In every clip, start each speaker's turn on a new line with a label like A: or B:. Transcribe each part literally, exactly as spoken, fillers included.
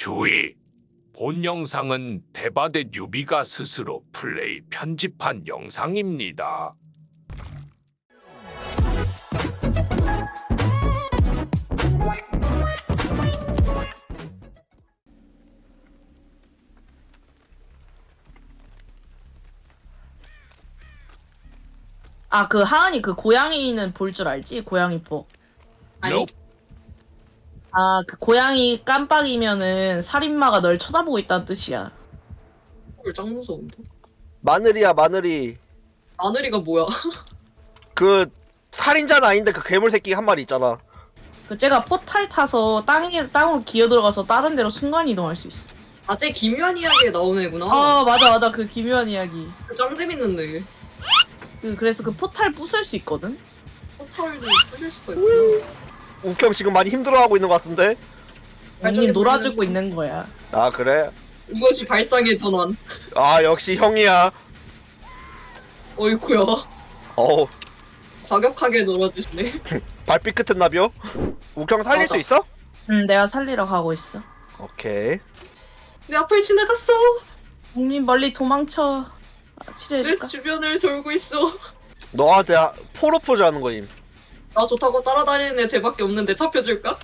A: 주의! 본 영상은 대바대 뉴비가 스스로 플레이 편집한 영상입니다.
B: 아, 그 하은이 그 고양이는 볼 줄 알지? 고양이 뽀.
A: 아니.
B: 아, 그 고양이 깜빡이면은 살인마가 널 쳐다보고 있다는 뜻이야.
C: 헐, 짱 무서운데?
D: 마늘이야 마늘이.
C: 마늘이가 뭐야?
D: 그 살인자는 아닌데 그 괴물 새끼 한 마리 있잖아.
B: 그 쟤가 포탈 타서 땅에 땅으로 기어 들어가서 다른 데로 순간 이동할 수 있어.
C: 아, 쟤 김유한 이야기에 나오는 애구나.
B: 아, 맞아 맞아. 그 기묘한 이야기.
C: 짱 재밌는데.
B: 그 그래서 그 포탈 부술 수 있거든.
C: 포탈도 부실 수가 있구나.
D: 우경 지금 많이 힘들어하고 있는 것 같은데.
C: 발전기
B: 형님 놀아주고
C: 돌리는-
B: 있는 거야.
D: 아 그래?
C: 이것이 발상의 전환.
D: 아 역시 형이야.
C: 어이쿠야.
D: 어우
C: 과격하게 놀아주시네.
D: 발빛 끝은 나비요? 우경 살릴
C: 맞아.
D: 수 있어?
B: 응, 내가 살리러 가고 있어.
D: 오케이.
C: 내 앞을 지나갔어.
B: 형님 멀리 도망쳐. 아,
C: 내
B: 치료해줄까?
C: 주변을 돌고 있어.
D: 너한테 아- 포로포즈 하는 거임.
C: 나 좋다고 따라다니는 애 쟤밖에 없는데 잡혀줄까?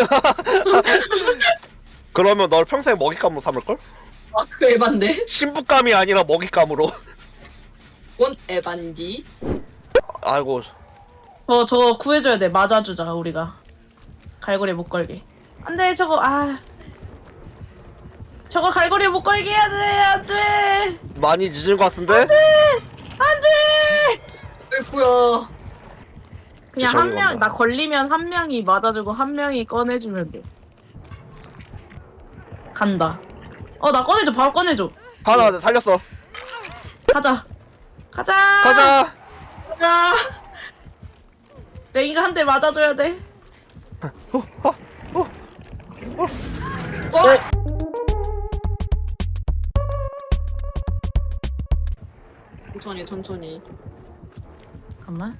D: 그러면 널 평생 먹잇감으로 삼을걸?
C: 아, 그 에반데?
D: 신부감이 아니라 먹잇감으로.
C: 뭔 에반디?
D: 아이고
B: 저 저거 구해줘야 돼. 맞아주자 우리가. 갈고리 못 걸게. 안돼 저거 아. 저거 갈고리 못 걸게 해야 돼. 안돼.
D: 많이 늦은 것 같은데?
B: 안돼.
C: 어이쿠야.
B: 그냥
D: 저기
B: 한 명,
D: 간다.
B: 나 걸리면 한 명이 맞아주고 한 명이 꺼내주면 돼. 간다. 어, 나 꺼내줘. 바로 꺼내줘.
D: 하나 살렸어.
B: 가자. 가자.
D: 가자.
C: 아,
B: 랭이가 한 대 맞아줘야 돼.
D: 어, 어, 어.
C: 어? 천천히, 천천히.
B: 잠깐만.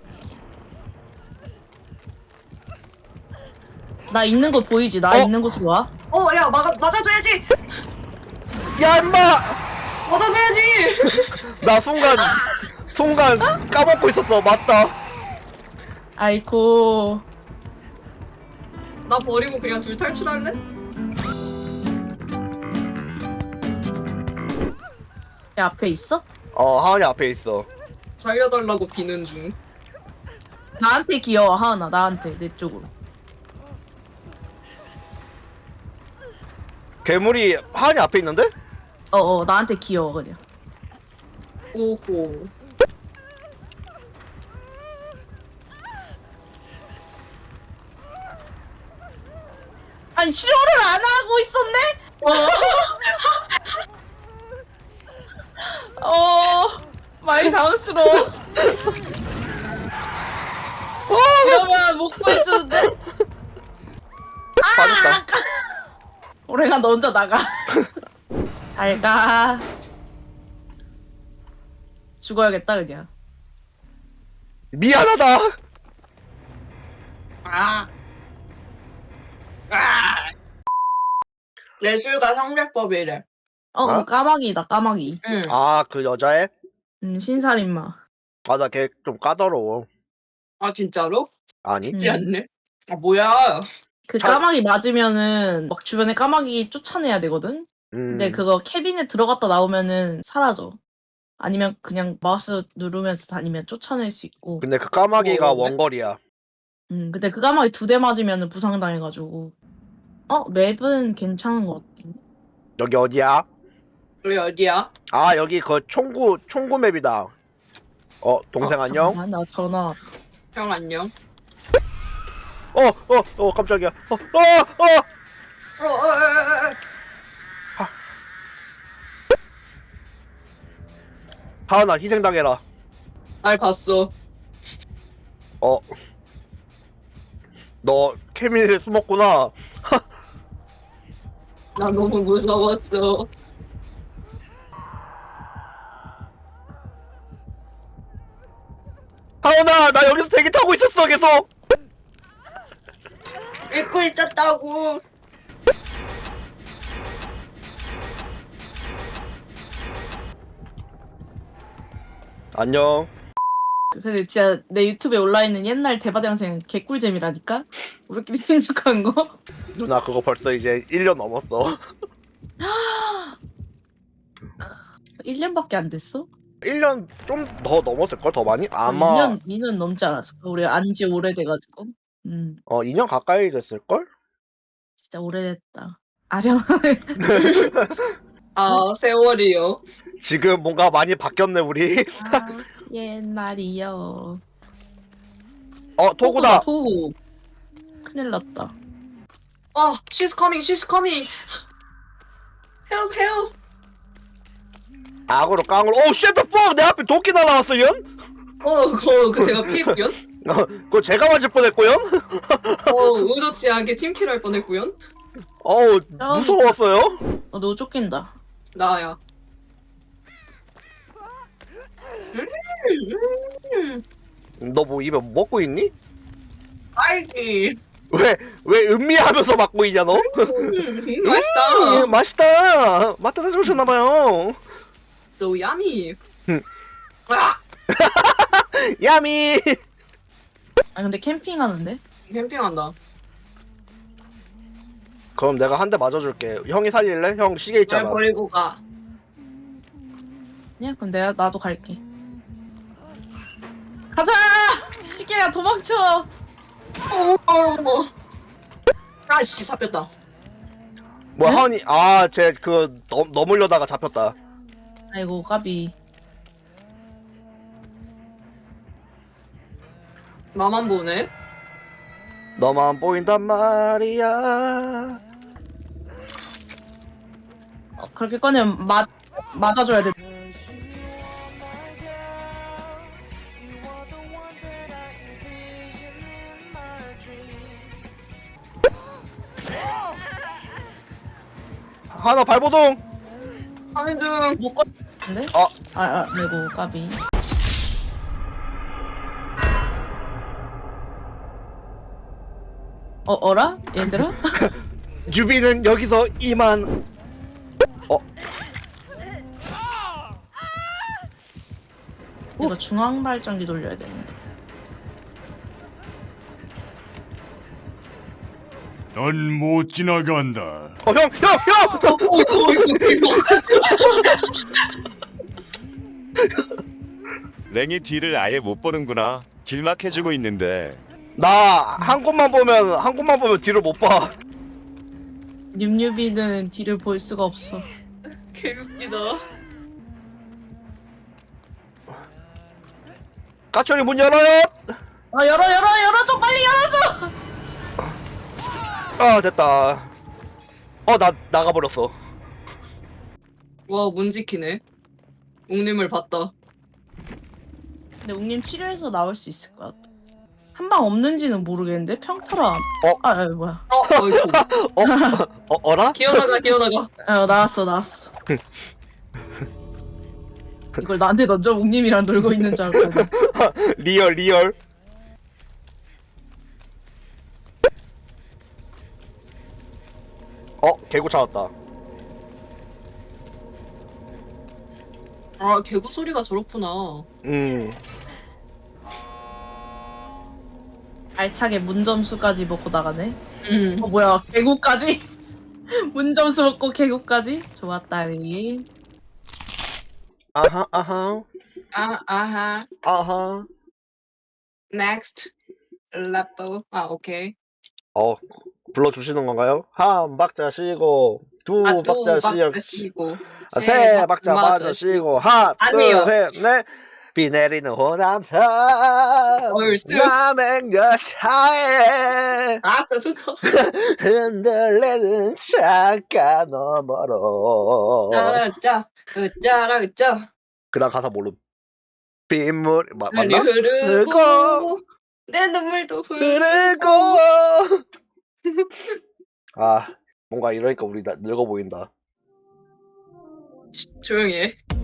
B: 나 있는 곳 보이지? 나
D: 어?
B: 있는 곳으로 와.
C: 어, 야, 맞아, 맞아줘야지!
D: 야 임마!
C: 맞아줘야지!
D: 나 순간 순간 까먹고 있었어. 맞다.
B: 아이고.
C: 나 버리고 그냥 둘 탈출할래?
B: 야, 앞에 있어?
D: 어 하은이 앞에 있어.
C: 살려달라고 비는 중.
B: 나한테 귀여워, 하은아. 나한테. 내 쪽으로.
D: 괴물이 하은이 앞에 있는데?
B: 어어, 나한테 귀여워, 그냥.
C: 오호.
B: 아니, 치료를 안 하고 있었네? 어. 어, 많이 당황스러워. 이러면 못 구해주는데?
D: 맞았다.
B: 오랭아, 너 혼자 나가. 잘 가. 죽어야겠다, 그냥.
D: 미안하다.
C: 아. 아. 예술가 성대법이래.
B: 어,
D: 어?
B: 까마귀다, 까마귀.
C: 응.
D: 아 그 여자애?
B: 음, 신살인마.
D: 맞아 걔 좀 까다로워.
C: 아, 진짜로?
D: 아니?
C: 쉽지
B: 음.
C: 않네. 아, 뭐야.
B: 그
D: 잘-
B: 까마귀 맞으면은 막 주변에 까마귀 쫓아내야 되거든?
D: 음.
B: 근데 그거 캐빈에 들어갔다 나오면은 사라져. 아니면 그냥 마우스 누르면서 다니면 쫓아낼 수 있고.
D: 근데 그 까마귀가
C: 어, 네?
D: 원거리야.
B: 음, 근데 그 까마귀 두 대 맞으면은 부상당해가지고. 어, 맵은 괜찮은 것 같아.
D: 여기 어디야?
C: 우리 어디야?
D: 아 여기 그 총구 총구 맵이다. 어 동생
B: 어,
D: 안녕?
B: 잠깐만, 나 전화.
C: 형 안녕.
D: 어 어 어 깜짝이야. 어 어 어.
C: 어, 어, 어, 어, 어.
D: 하은아 희생당해라.
C: 날 봤어.
D: 어. 너 케미에 숨었구나.
C: 나 너무 무서웠어.
D: 하은아 나 여기서 대기 타고 있었어 계속.
C: 믿고 있었다고.
D: 안녕.
B: 근데 진짜 내 유튜브에 올라있는 옛날 대바대 영상 개꿀잼이라니까? 우리끼리 친척한 거?
D: 누나 그거 벌써 이제 일 년 넘었어.
B: 일 년밖에 안 됐어?
D: 일 년 좀 더 넘었을걸? 더 많이? 아마
B: 이 년, 이 년 넘지 않았어. 우리 안지 오래돼가지고. 음,
D: 어 이 년 가까이 됐을걸?
B: 진짜 오래됐다. 아련.
C: 아 세월이요.
D: 지금 뭔가 많이 바뀌었네 우리.
B: 아, 옛날이요.
D: 어 토구다.
B: 토구. 큰일 났다.
C: 어, she's coming, she's coming. Help, help.
D: 악으로 깡으로. 오 쉣더 퍽! 내 앞에 도끼 날아왔어 연?
C: 어, 그, 그 제가 피했구요.
D: 어, 그거 제가 맞을 뻔했고요?
C: 어, 의도치 않게 팀킬 할 뻔했구요.
D: 어우
B: 아.
D: 무서웠어요?
B: 어, 너 쫓긴다.
C: 나야. 음,
D: 너 뭐 입에 먹고 있니?
C: 딸기.
D: 왜, 왜 음미하면서 맞고 있냐 너?
C: 음, 맛있다.
D: 음, 맛있다. 맛다 좋으셨나봐요.
C: So yummy.
D: 음.
C: 아,
D: 야미.
B: 아, 근데 캠핑하는데?
C: 캠핑한다.
D: 그럼 내가 한 대 맞아줄게. 형이 살릴래? 형 시계
C: 날
D: 있잖아.
C: 버리고 가.
B: 그냥 그럼 내가 나도 갈게. 가자! 시계야 도망쳐!
C: 어머, 어머. 아씨 잡혔다.
D: 뭐
B: 네?
D: 하은이 아쟤 그 넘으려다가 잡혔다.
B: 아이고 까비.
C: 나만 보네.
D: 너만 보인단 말이야.
B: 어, 그렇게 꺼내면 맞 맞아줘야 돼.
D: 하나 발보동.
C: 하는 중.
B: 못 꺼는데?
D: 어.
B: 아, 아, 아이고 까비. 어 어라? 얘들아?
D: 유비는 여기서 이만. 어
B: 이거 중앙 발전기 돌려야 되는데.
E: 넌 못 지나간다.
D: 어, 형, 형, 형!
C: 어이구, 어이구,
F: 랭이 뒤를 아예 못 보는구나. 길막해주고 있는데.
D: 나 한 곳만 보면 한 곳만 보면 뒤를 못 봐.
B: 뉴뉴비는 뒤를 볼 수가 없어.
C: 개웃기다.
D: 까철이 문 열어요.
B: 아 열어 열어 열어줘 빨리 열어줘.
D: 아 됐다. 어 나 나가버렸어.
C: 와, 문지키네. 웅님을 봤다.
B: 근데 웅님 치료해서 나올 수 있을 것 같아. 한 방 없는지는 모르겠는데 평타라.
D: 어?
B: 아, 아 뭐야?
C: 어, 어이구.
D: 어? 어 어라?
C: 기어나가, 기어나가.
B: 아 나왔어 나왔어. 이걸 나한테 던져 웅님이랑 놀고 있는 줄 알고.
D: 리얼 리얼. 어 개구 찾았다.
C: 아, 개구 소리가 저렇구나.
D: 음.
B: 알차게 문점수까지 먹고 나가네.
C: 음.
B: 어 뭐야 개구까지? 문점수 먹고 개구까지? 좋았다리.
D: 아하 아하
C: 아, 아하.
D: 아하.
C: Next. 레po. 아, 오케이.
D: 어 불러주시는 건가요? 한 박자 쉬고 두
C: 아, 두
D: 박자 쉬고
C: 박자 쉬고.
D: 아, 세 박자 맞아 쉬고 하나
C: 아니요.
D: 둘셋넷 비 내리는 호남선
C: 얼쑤.
D: 남의 여차에
C: 아싸, 좋다.
D: 흔들리는 창가 너머로
C: 짜라짜. 으짜라, 으짜.
D: 그 다음 가사 모름 빗물 마,
C: 눈이
D: 맞나?
C: 흐르고.
D: 흐르고.
C: 내 눈물도 흐르고.
D: 흐르고 아 뭔가 이러니까 우리 나, 늙어 보인다.
C: 쉿, 조용히 해.